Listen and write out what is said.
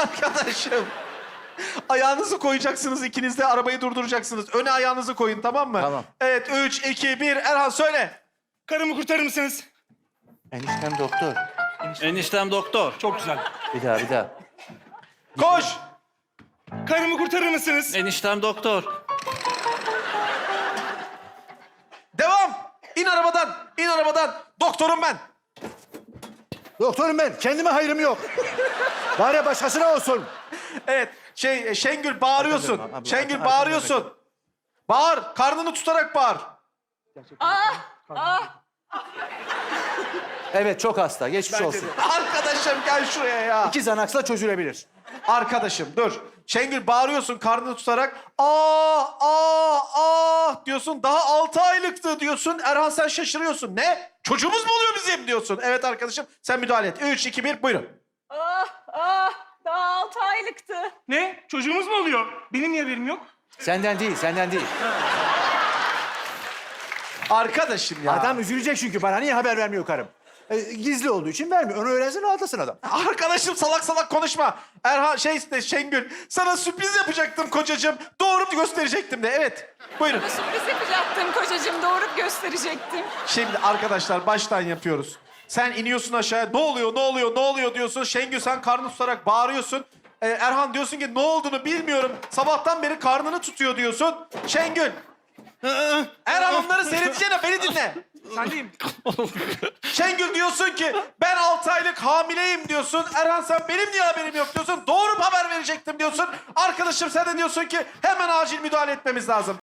Arkadaşım. Ayağınızı koyacaksınız ikiniz de arabayı durduracaksınız. Öne ayağınızı koyun tamam mı? Tamam. Evet 3, 2, 1 Erhan söyle. Karımı kurtarır mısınız? Eniştem doktor. Eniştem doktor. Çok güzel. Bir daha. Koş. Karımı kurtarır mısınız? Eniştem doktor. Devam. İn arabadan. İn arabadan. Doktorum ben. Doktorum ben. Kendime hayrım yok. Bari başkasına olsun. Evet. Şengül bağırıyorsun. Arkadan, Şengül bağırıyorsun. Bağır. Karnını tutarak bağır. Evet çok hasta. Geçmiş olsun. Arkadaşım gel şuraya ya. 2 Xanax'la çözülebilir. Arkadaşım dur. Şengül bağırıyorsun karnını tutarak. Diyorsun. Daha 6 aylıktı diyorsun. Erhan sen şaşırıyorsun. Ne? Çocuğumuz mu oluyor bizim diyorsun. Evet arkadaşım sen müdahale et. 3, 2, 1 buyurun. Daha 6 aylıktı. Ne? Çocuğumuz mu oluyor? Benim niye haberim yok? Senden değil. Arkadaşım ya. Adam üzülecek çünkü bana niye haber vermiyor karım? Gizli olduğu için vermiyor. Onu öğrensin rahatlasın adam. Arkadaşım salak salak konuşma. Erhan Şengül sana sürpriz yapacaktım kocacığım. Doğurup gösterecektim de evet. Buyurun. Sürpriz yapacaktım kocacığım, doğurup gösterecektim. Şimdi arkadaşlar baştan yapıyoruz. Sen iniyorsun aşağıya. Ne oluyor diyorsun. Şengül sen karnını tutarak bağırıyorsun. Erhan diyorsun ki ne olduğunu bilmiyorum. Sabahtan beri karnını tutuyor diyorsun. Şengül. Erhan onları seyredeceğine beni dinle. Sendeyim. Şengül diyorsun ki ben 6 aylık hamileyim diyorsun. Erhan sen benim niye haberim yok diyorsun. Doğurup haber verecektim diyorsun. Arkadaşım sen de diyorsun ki hemen acil müdahale etmemiz lazım.